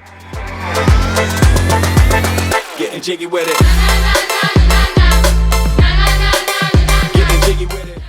Getting jiggy with it. Getting jiggy with it.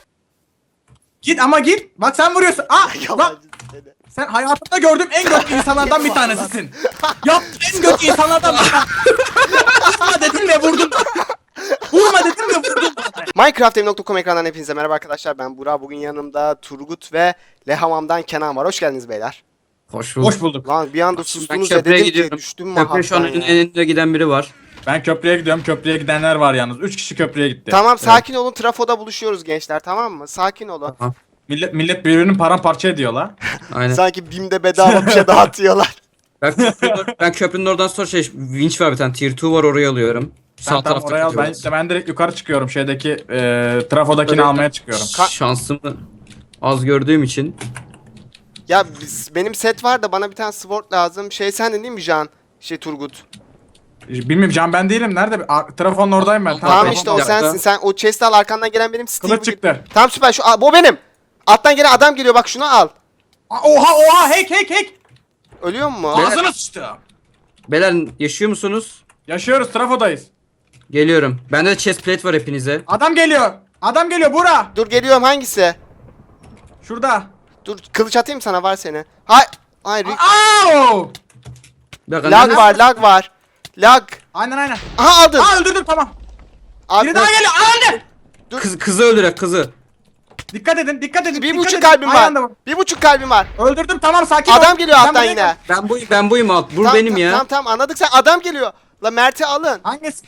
Git ama git. Bak sen vuruyorsun. Lan Yalancı seni. sen hayatımda gördüğüm en kötü insanlardan bir tanesisin. Ya en kötü insanlardan bir tanesi. Vurma dedim ve vurdun. Vurma dedim ve vurdun. Minecraft.com ekranından hepinize merhaba arkadaşlar. Ben Burak. Bugün yanımda Turgut ve Lehamam'dan Kenan var. Hoş geldiniz beyler. Hoş bulduk. Hoş bulduk. Lan bir anda Ben sustunuz ve köprüye dedim ki gidiyorum. düştüm Köprüye şu an mahattan ya. önünde giden biri var. Ben köprüye gidiyorum. Köprüye gidenler var yalnız. 3 kişi köprüye gitti. Tamam sakin olun, trafoda buluşuyoruz gençler, tamam mı? Sakin olun. Tamam. Millet birbirini paramparça ediyor la. Aynen. Sanki BİM'de bedava bir şey dağıtıyorlar. Ben köprünün oradan sonra winch var bir tane tier 2 var oraya alıyorum. Sen Sağ tam tarafta oraya al. gidiyoruz. Ben direkt yukarı çıkıyorum. Şeydeki trafodakini Böyle- almaya çıkıyorum. Şansımı az gördüğüm için. Ya benim set var da bana bir tane sword lazım. Sendin değil mi Can? Turgut. Bilmiyorum Can ben değilim. Nerede? Trafonun oradayım ben. Tamam trafonun işte o orada. dakika. sensin. Sen o chest'i al, arkandan gelen benim Steve. Kılıç çıktı. Tamam süper. Bu benim. Alttan gelen adam geliyor, bak şunu al. Oha hack. Ölüyor mu? Ağzına sıçtı. Beyler yaşıyor musunuz? Yaşıyoruz, trafodayız. Geliyorum. Bende de chest plate var hepinize. Adam geliyor Bura. Dur geliyorum, hangisi? Şurada. Dur kılıç atayım sana, var seni. Hayır. Au! Bir dakika, Lag nerede- var, lag var. Lag. Aynen. Aha aldın. Öldürdüm tamam. Abi, Biri daha geliyor. Öldü. Kızı öldürek kızı. Dikkat edin. bir dikkat buçuk edin. kalbim Aynı var. anda bak. 1,5 kalbim var. Öldürdüm tamam sakin ol. Adam geliyor Sen alttan buraya yine. gel. Ben buyum alt. Bu benim ya. Tamam anladık, sen adam geliyor. La Mert'i alın. Hangisi?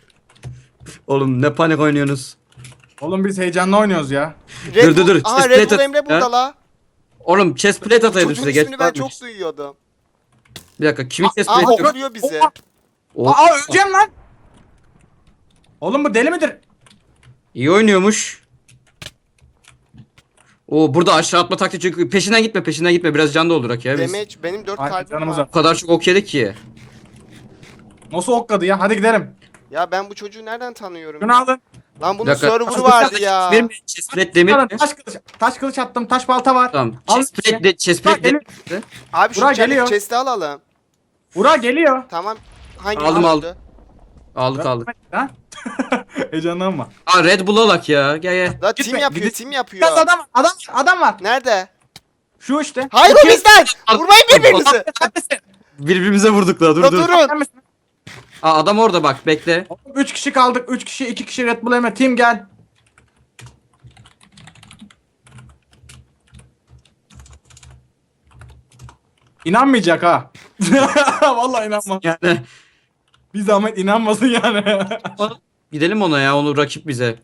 Oğlum ne panik oynuyorsunuz. Oğlum biz heyecanla oynuyoruz ya. Dur. Aha Chest Red plate Bull Emre at- burada ya. la. Oğlum chest plate ataydım Çocuğun size. Geç ismini ben çok varmış. duyuyordum. Bir dakika kimin chest Aa plate? vuruyor bizi. Aa öleceğim lan. Oğlum bu deli midir? İyi oynuyormuş. Oo burada aşağı atma taktiği çünkü peşinden gitme biraz can doldurak ya biz. Damage benim 4 Ay, kalbim canımız var. var. O kadar çok ok yedik ki. Nasıl okladı ya? Hadi gidelim. Ya ben bu çocuğu nereden tanıyorum? Şunu alın. Lan bunun Bir dakika. server'ı vardı ya. Demir mi? Chest plate demir Alın, mi? taş kılıç attım. Taş balta var. Tamam. Al Chest plate de chest Bak, plate demir. Abi şu Burak geliyor. chest'i alalım. Burak geliyor. Tamam. Hangi Aldım, aldı? Aldık. Ha? Heyecanlanma. Aa Red Bull alak ya. Gel. La Gitme, team yapıyor, gidin. team Biraz yapıyor. adam var. Nerede? Şu işte. Hayır o İki- bizden. Al- Vurmayın birbirinizi. Sen misin? Birbirimize vurduk la La durun. Sen misin? Aa adam orada bak bekle. Oğlum 3 kişi kaldık. 3 kişi 2 kişi Red Bull Emre. Team gel. İnanmayacak ha. Vallahi inanmaz. Yani Bir zahmet inanmasın yani. gidelim ona ya onu rakip bize.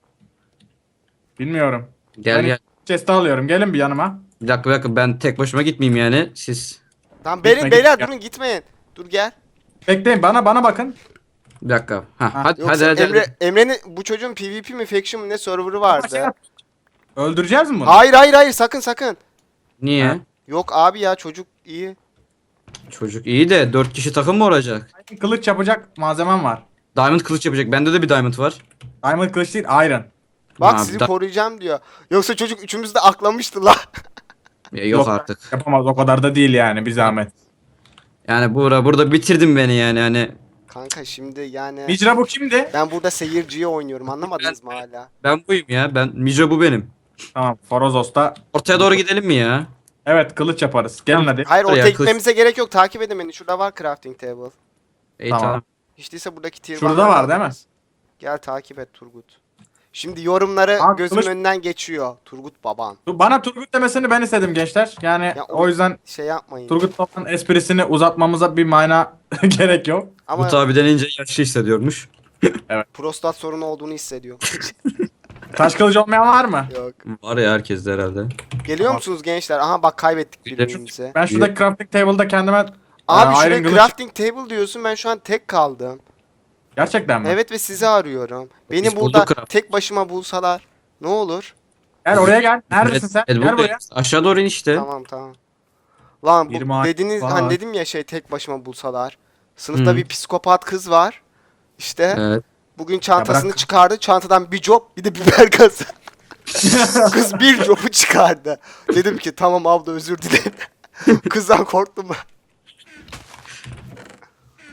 Bilmiyorum. Gel Ben gel. chest'i alıyorum. Gelin bir yanıma. Bir dakika ben tek başıma gitmeyeyim yani siz. Tamam Gitme, beyler gitme. durun, gitmeyin. Dur gel. Bekleyin bana bakın. Bir dakika. Ha, Hadi Yoksa hadi. Emre'nin bu çocuğun PvP mi faction mi ne server'ı vardı. Öldüreceğiz mi bunu? Hayır sakın. Niye? Ha. Yok abi ya, çocuk iyi. Çocuk iyi de 4 kişi takım mı olacak? Kılıç yapacak malzemem var. Diamond kılıç yapacak. Bende de bir diamond var. Diamond kılıç değil iron. Bak Ha, sizi da- koruyacağım diyor. Yoksa çocuk üçümüz de aklamıştı la. Yok artık. Yapamaz o kadar da değil yani bir zahmet. Yani burada bitirdin beni yani hani. Kanka şimdi yani Micra bu kimdi? ben burada seyirciye oynuyorum, anlamadınız mı hala? Ben buyum ya. Mijo bu benim. Tamam Forozos'ta. Ortaya doğru gidelim mi ya? Evet kılıç yaparız. Gelin hadi. Hayır Oraya ortaya kılıç- gitmemize gerek yok, takip edin beni. Şurada var crafting table. İyi Tamam. tamam. Hiç değilse buradaki tier Şurada one'ları var değil mi? alırız. Gel takip et Turgut. Şimdi yorumları Abi, gözümün kılıç- önünden geçiyor. Turgut baban. Bana Turgut demesini ben istedim gençler. Yani Ya, o yüzden Şey yapmayın. Turgut babanın esprisini uzatmamıza bir mana gerek yok. Ama Bu abi denince yaşlı hissediyormuş. prostat sorunu olduğunu hissediyor. Taş kılıç olmayan var mı? Yok. Var ya herkes de herhalde. Geliyor Tamam. musunuz gençler? Aha bak kaybettik Bir de- birbirimizi. Ben şuradaki crafting table'da kendime Abi iron şuraya kılıç- crafting table diyorsun, ben şu an tek kaldım. Gerçekten mi? Evet ve sizi arıyorum. Beni Biz burada bulduk craft. tek başıma bulsalar ne olur? Gel oraya gel. Neredesin sen? Red Bull Gel buraya. Bey, aşağı doğru in işte. Tamam. Lan Bir bu maaş dediniz var. hani dedim ya tek başıma bulsalar. Sınıfta Hı. bir psikopat kız var. İşte Evet. bugün çantasını bırak. çıkardı. Çantadan bir job bir de biber gazı. Kız bir jobu çıkardı. Dedim ki tamam abla özür dilerim. Kızdan korktum ben.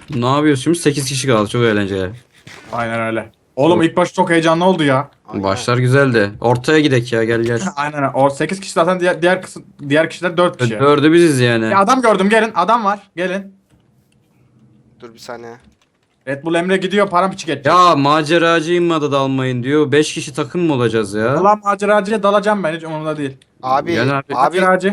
Ne yapıyoruz şimdi? 8 kişi kaldı. Çok eğlenceli. Aynen öyle. Oğlum ilk baş çok heyecanlı oldu ya. Aynen. Başlar güzeldi. Ortaya gidek ya, gel gel. Aynen. O 8 kişi zaten diğer kişiler 4 kişi. Dördü biziz yani. Ya adam gördüm, gelin. Adam var. Gelin. Dur bir saniye. Red Bull Emre gidiyor, paramparça geçecek. Ya maceracıyım mı da dalmayın diyor. 5 kişi takım mı olacağız ya? Allah maceracıya dalacağım ben, hiç umurumda değil. Abi, Gel abi. abi Maceracı.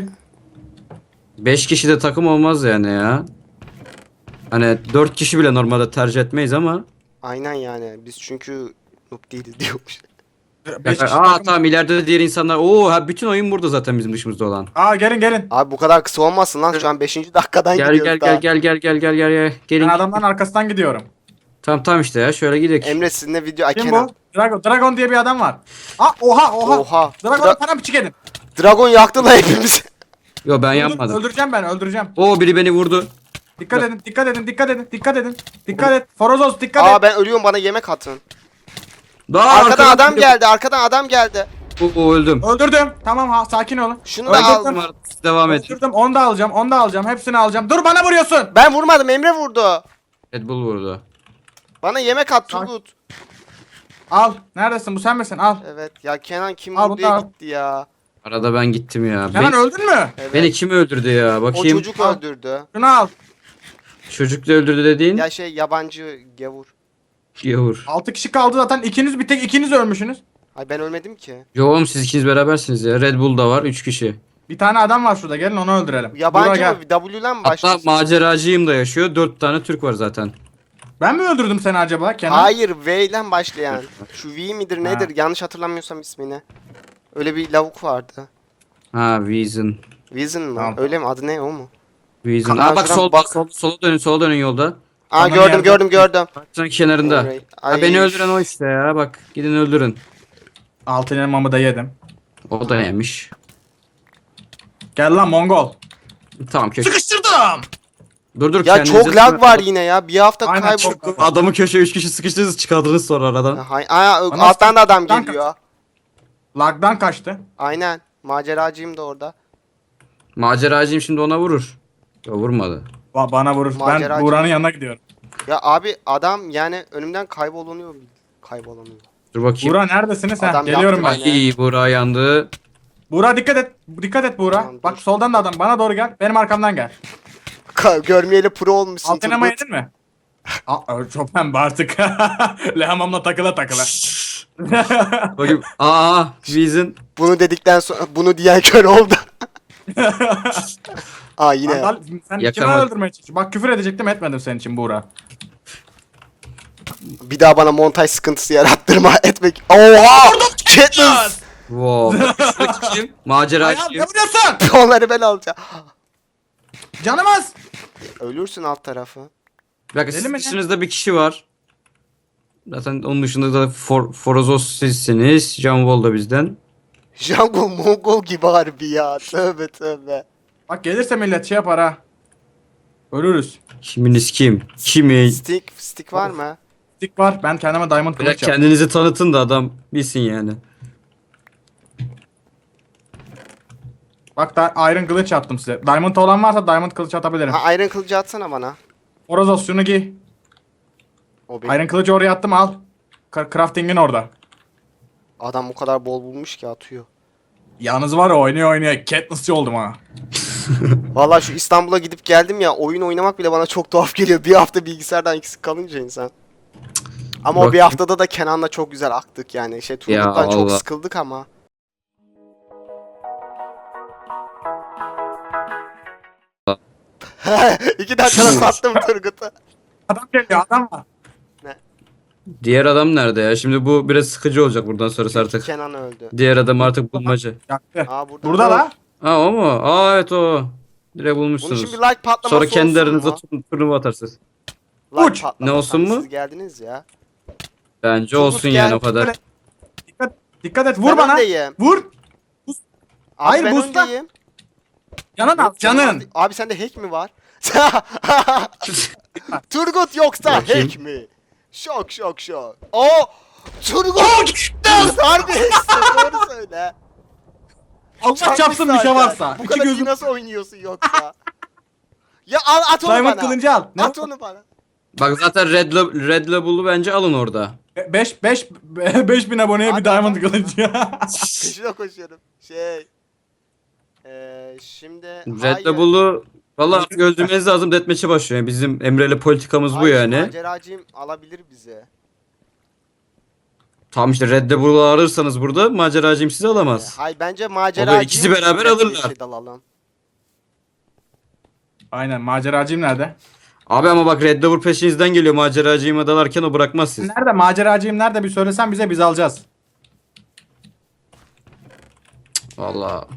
5 kişi de takım olmaz yani ya. Hani 4 kişi bile normalde tercih etmeyiz ama. aynen yani. Biz çünkü noob değiliz diyormuş. 5 kişi Aa takım. tamam, ileride de diğer insanlar. Oo ha, bütün oyun burada zaten bizim dışımızda olan. Aa, gelin. Abi bu kadar kısa olmasın lan. Şu an 5. dakikadan Gel gidiyoruz gel daha. gel. Gelin. Ben adamların arkasından gidiyorum. Tamam işte ya, şöyle gidelim. Emre sizinle video... Ay, Kim Kenan. bu? Dragon diye bir adam var. Aa, oha. Oha. Dragon'u paramparça edin. Dragon yaktı lan hepimizi. Yo ben yapmadım. Öldüreceğim. Oo biri beni vurdu. Dikkat edin. Dikkat et. Forozos dikkat Aa et. ben ölüyorum, bana yemek atın. Daha Arkadan adam geldi. Oo öldüm. Öldürdüm. Tamam, sakin olun. Şunu da Öldürdüm. al. Devam et. Öldürdüm. Onu da alacağım. Hepsini alacağım. Dur, bana vuruyorsun. Ben vurmadım, Emre vurdu. Red Bull vurdu. Bana yemek at Turgut. Al. Neredesin? Bu sen misin? Al. Evet ya, Kenan kim Al, vurdu diye bunu al. gitti ya. Arada ben gittim ya. Kenan öldün mü? Evet. Beni kim öldürdü ya? O Bakayım. çocuk Al. öldürdü. Şunu al. Çocuk da öldürdü dediğin. Ya yabancı gavur. Yavur. 6 kişi kaldı zaten. Bir tek ikiniz ölmüşsünüz. Ay ben ölmedim ki. Yo oğlum, siz ikiniz berabersiniz ya. Red Bull da var 3 kişi. Bir tane adam var şurada. Gelin onu öldürelim. Burak, Yabancı gel. mı? W'den mi Hatta başlıyorsun? maceracıyım da yaşıyor. 4 tane Türk var zaten. Ben mi öldürdüm seni acaba Kenan? Hayır, V ile başlayan. Şu V midir Ha. nedir? Yanlış hatırlamıyorsam ismini. Öyle bir lavuk vardı. Ha Vision. Vision mı? Tamam. Öyle mi? Adı ne, o mu? Vision. Kanal Aa bak şuradan sol, bak. sola dönün yolda. Aa Tamam, gördüm. Baksana kenarında. Orayı. Ha, Ay, beni öldüren o işte ya. Bak gidin öldürün. Altın elmamı da yedim. O da yemiş. Gel lan Mongol. Tamam köşe. Sıkıştırdım. Dur Ya kendinize çok lag sıkın. var yine ya. Bir hafta Aynen, kaybol. çok- Adamı köşeye 3 kişi sıkıştınız, çıkardınız sonra aradan. Bana Alttan da adam sıkıştırdan geliyor. Lagdan kaçtı. Aynen. Maceracıyım da orada. Maceracıyım, şimdi ona vurur. Yo vurmadı. Bana vurur. Maceracı. Ben Buğra'nın yanına gidiyorum. Ya abi adam yani önümden kaybolanıyor. Dur bakayım. Buğra neredesiniz? Adam Geliyorum ben. yaptı Ay Buğra yandı. Buğra dikkat et. Dikkat et Buğra. Tamam, Bak dur. soldan da adam. Bana doğru gel. Benim arkamdan gel. Görmeyeli pro olmuşsun Altın elma Turgut. yedin mi? Çok pembe artık. Lehamamla takıla. Bakayım. Aa Vision. Bunu dedikten sonra bunu diyen kör oldu. Aa yine. Sandal, sen kime Yakamadım. öldürmeye çalışıyorsun? Bak küfür edecektim, etmedim senin için Buğra. Bir daha bana montaj sıkıntısı yarattırma etmek. Oha! Katniss! Wow. Bak, şuradaki kim? Ayağım, ne Maceracıyım. vuruyorsun? Onları ben alacağım. Canımız. Ölürsün alt tarafı. Bak Deli mi ne? dışınızda bir kişi var. Zaten onun dışında da Forozos sizsiniz. Can Wall da bizden. Jungle Mongol gibi harbi ya. Tövbe. Bak gelirse millet şey yapar ha. Ölürüz. Kiminiz kim? Kimi? Stick var mı? Stick var. Ben kendime diamond Biraz kılıç yaptım. kendinizi tanıtın da adam bilsin yani. Bak da iron kılıç yaptım size. Diamond olan varsa diamond kılıç atabilirim. Ha Iron kılıcı atsana bana. Orozos şunu giy. O benim. Iron kılıcı oraya attım, al. Crafting'in orada. Adam o kadar bol bulmuş ki atıyor. Yalnız var ya, oynaya Katniss'çı oldum ha. Valla şu İstanbul'a gidip geldim ya, oyun oynamak bile bana çok tuhaf geliyor. Bir hafta bilgisayardan eksik kalınca insan. Ama o bir Bakayım. haftada da Kenan'la çok güzel aktık yani. Turgut'tan çok Allah. sıkıldık ama. İki dakikada sattım Turgut'u. Adam geliyor, adam var. Diğer adam nerede ya? Şimdi bu biraz sıkıcı olacak buradan sonrası artık. Kenan öldü. Diğer adam artık bulmaca. Yaktı. Aa Burada la. Ha o mu? Aa evet o. Direkt Bunun bulmuşsunuz. için bir like patlaması Sonra kendi olsun aranızda mu? turnuva atarsınız. Like Uç. patlaması. Ne olsun mu? Siz geldiniz ya. Bence Turgut olsun gel. yani o kadar. Dikkat et, vur Ben bana. öndeyim. Vur. Abi Hayır, ben boostla. öndeyim. Canın al, Yok, canın. Abi sende hack mi var? Turgut yoksa Bakayım. hack mi? Şok. Oo! Turgut! Harbi hacksin, doğru söyle. Allah çapsın bir şey zaten. varsa. Bu İki kadar iyi gözüm. nasıl oynuyorsun yoksa? Ya at onu Diamond bana. kılıncı al. Ne? At onu bana. Bak zaten Red Label'u bence alın orada. 5000 aboneye bir diamond kılıcı ya. Peşine koşuyorum. Şimdi Red Label'u valla öldürmeniz lazım, deathmatch'e başlıyor. Yani bizim Emre'yle politikamız bu hayır, yani. maceracıyım alabilir bizi. Tamam işte Red Label'u alırsanız burada maceracıyım sizi alamaz. Hayır bence maceracıyım. ikisi beraber alırlar. Şey dalalım. Aynen, maceracıyım nerede? Abi ama bak Red Label peşinizden geliyor, maceracıyıma dalarken o bırakmaz siz. Nerede maceracıyım nerede, bir söylesen bize, biz alacağız. Valla.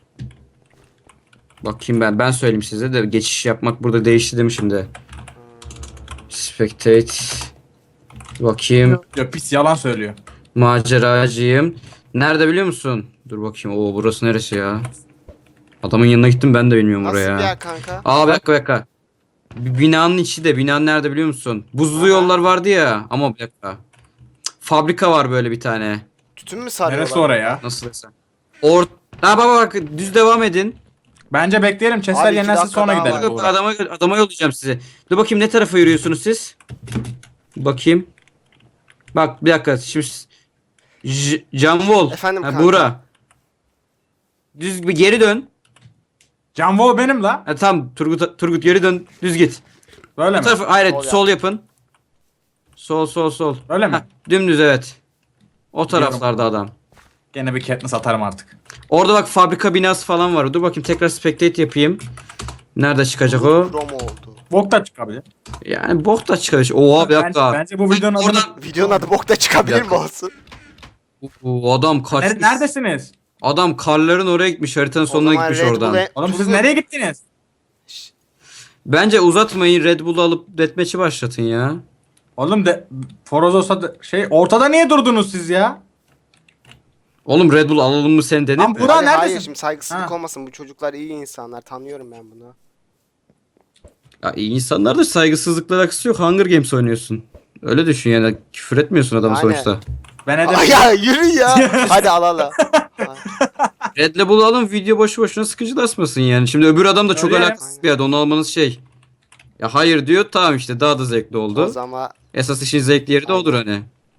Bakayım ben söyleyeyim size de, geçiş yapmak burada değişti değil mi şimdi? Spectate. Bakayım. Yok, pis yalan söylüyor. Maceracıyım. Nerede biliyor musun? Dur bakayım. Oo burası neresi ya? Adamın yanına gittim, ben de bilmiyorum Nasıl oraya. bir yer kanka? Aa bir dakika. Binanın içi de, binanın nerede biliyor musun? Buzlu yollar vardı ya, ama bir dakika. Fabrika var böyle bir tane. Tütün mü sarıyorlar? Neresi oraya? Nasıl desem? Ha bak düz devam edin. Bence bekleyelim, chestler Abi, iki yenilensin dakika sonra daha gidelim. var. Buğra. Adama yollayacağım sizi. Dur bakayım ne tarafa yürüyorsunuz siz? Bakayım. Bak bir dakika şimdi Can Wall. Efendim Ha, kanka. Buğra. Düz bir geri dön. Can Wall benim la. Ha, tamam Turgut geri dön, düz git. Böyle Bu mi? tarafa hayır Sol sol yapın. Sol. Öyle mi? Ha, dümdüz evet. O taraflarda adam. Gene bir Katniss atarım artık. Orada bak fabrika binası falan var. Dur bakayım tekrar spectate yapayım. Nerede çıkacak o? Krom oldu. Bok da çıkabilir. Yani bok da çıkacak. Oha bir dakika. Bence bu videonun adını... Oradan Videonun adı bokta çıkabilir mi olsun? Adam kaçmış. Neredesiniz? Adam karların oraya gitmiş, haritanın sonuna O zaman gitmiş Red oradan. Bull'e- Oğlum siz Tuzlu- nereye gittiniz? Bence uzatmayın, Red Bull'u alıp deathmatch'i başlatın ya. Oğlum de Forozos'a ortada niye durdunuz siz ya? Oğlum Red Bull alalım mı sen denir Lan mi? Burak Abi neredesin? hayır, şimdi saygısızlık Ha. olmasın, bu çocuklar iyi insanlar, tanıyorum ben bunu. Ya iyi insanlar da saygısızlıkla alakası yok. Hunger Games oynuyorsun. Öyle düşün yani, küfür etmiyorsun adamı Aynen. sonuçta. Ben Aa, edemem. ya yürü ya. Hadi alalım. Red Bull'u alın, video boşu boşuna sıkıcılaşmasın yani. Şimdi öbür adam da çok Öyle. alakasız bir adam, onu almanız şey. Ya hayır diyor, tamam işte daha da zevkli O oldu. zaman Esas işin zevkli yeri de odur hani.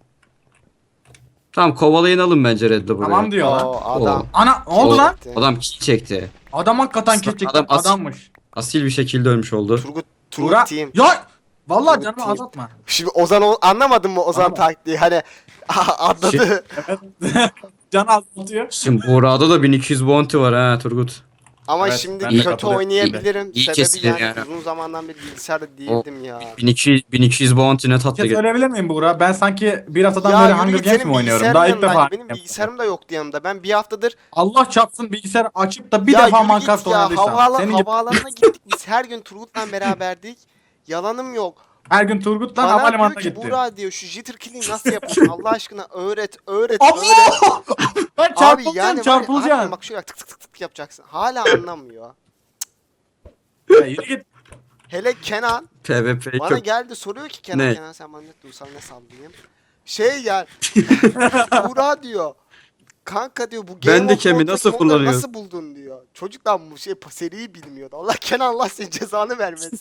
Tamam kovalayın alın bence Red Bull'u. Tamam diyor lan. o adam. Ana ne oldu O- lan? Adam kill çekti. Adam hakikaten keçik Adam as- adammış. Asil bir şekilde ölmüş oldu. Turgut Buğra. team. Ya vallahi Turgut canımı team. azaltma. Şimdi Ozan anlamadın mı Ozan Anlamadım. taktiği? Hani atladı. Can azaltıyor. Şimdi Buğra'da da 1200 bounty var ha Turgut. Ama Evet, şimdi ben de kötü katılıyorum. oynayabilirim. İyi Sebebi kesilir yani, yani. uzun zamandan beri bilgisayarda değildim ya. 1200 bounty ne Bir tatlı şey gelir. söyleyebilir miyim Buğra? Ben sanki bir haftadan Ya beri yürü Hunger git, Games senin mi oynuyorum? bilgisayarın Daha ilk yanında. defa. Benim bilgisayarım da yoktu yanımda. Ben bir haftadır Allah çarpsın, bilgisayar açıp da bir ya defa yürü Minecraft git ya. oynadıysam. Senin gibi Havaalanına gittik biz. Her gün Turgut'la beraberdik. Yalanım yok. her gün Turgut'la Bana havalimanına diyor ki gitti. Buğra diyor, şu jitter kill'i nasıl yapıyorsun? Allah aşkına öğret. Abo! Ben Abi çarpılacaksın, yani çarpılacaksın. bak şöyle tık tık tık tık yapacaksın. Hala anlamıyor. Ya yürü git. Hele Kenan PvP bana çok. geldi, soruyor ki Ne? Kenan sen bana ne duysal ne sallayayım. Yani Buğra diyor. Kanka diyor, bu Ben Game de of Kemi Thrones'taki nasıl modları kullanıyorsun? nasıl buldun diyor. Çocuklar bu seriyi bilmiyordu. Allah Kenan, Allah senin cezanı vermesin.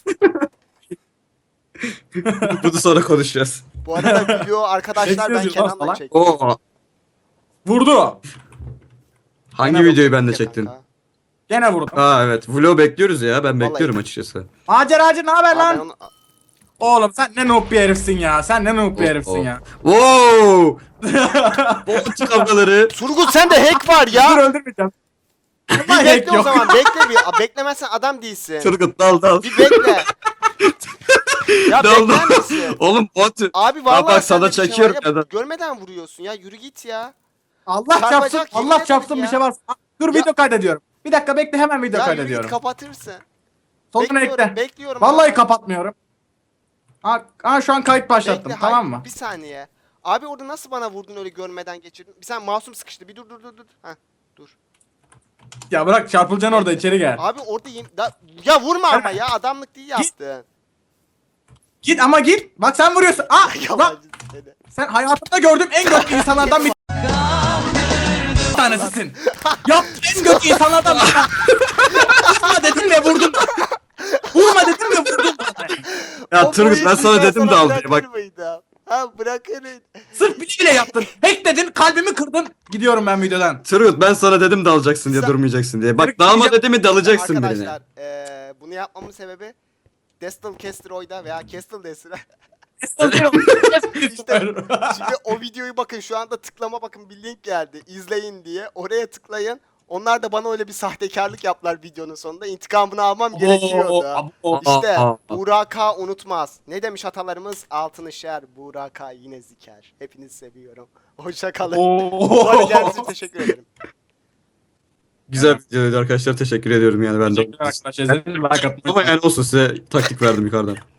Bunu sonra konuşacağız. Bu arada video arkadaşlar, ben Bekliyoruz lan Kenan'la falan. çektim. Oo. Vurdu. Hangi Kenan videoyu bakıyor ben de ya çektin? kanka. Gene vurdu. Ha evet. Vlog bekliyoruz ya. Ben Vallahi. bekliyorum açıkçası. Maceracı ne haber Abi ben lan? onu- Oğlum sen ne noob bir herifsin ya. Sen ne noob bir herifsin ya. Wow! Bolt kavgaları. Turgut sende hack var Dur ya. öldürmeyeceğim. Bir Hack bekle o yok. zaman, bekle bir. Beklemezsen adam değilsin. Turgut dal. Bir bekle. Ya Dal bekler misin? Oğlum bot. Abi vallahi bak sana sende bir şey var çekiyorum ya, ya da. görmeden vuruyorsun ya, yürü git ya. Allah Çarpacak, çarpsın, yemin Allah ederim çarpsın ya. bir şey var. Dur Ya- video kaydediyorum. Bir dakika bekle, hemen video Ya yürü kaydediyorum. git, kapatırsın. Sonuna ekle. Bekliyorum. Vallahi abi. kapatmıyorum. Ha şu an kayıt başlattım, Bekle, tamam hayır, mı? bir saniye. Abi orada nasıl bana vurdun öyle görmeden geçirdin? Bir sen masum sıkıştı. Bir dur. Heh, dur. Ya bırak, çarpılacaksın orada, içeri gel. Abi orada ya vurma ama ya, adamlık değil yaptın. Git ama git. Bak sen vuruyorsun. Lan Yalancı seni. sen hayatımda gördüğüm en kötü insanlardan bir tanesisin. Ya en kötü insanlardan bir tanesi. Vurma dedim ve vurdun. Vurma dedim ve vurdun. Ya O Turgut ben boyu sana sizden dedim de al diye. bırakır Bak mıydım? Ha bırakın. Sırf bile yaptın. Hack dedin, kalbimi kırdın. Gidiyorum ben videodan. Turgut ben sana dedim de alacaksın diye Sen- durmayacaksın diye. Bak Turgut, dalma diyeceğim- dedi mi dalacaksın birine. Arkadaşlar bunu yapmamın sebebi Destal Castroid'a veya Castle Destal'a. Şimdi o videoyu bakın şu anda tıklama bakın bir link geldi. İzleyin diye. Oraya tıklayın. Onlar da bana öyle bir sahtekarlık yaptılar videonun sonunda. İntikamını almam gerekiyordu. İşte Buraka unutmaz. Ne demiş atalarımız? Altın işer, Buraka yine ziker. Hepinizi seviyorum. Hoşça kalın. Bu arada geldiğiniz için teşekkür ederim. Güzel videoydu arkadaşlar teşekkür ediyorum yani ben de. Teşekkürler arkadaşlar. İzlediğiniz için like atmayı Ama yani olsun size taktik verdim yukarıdan.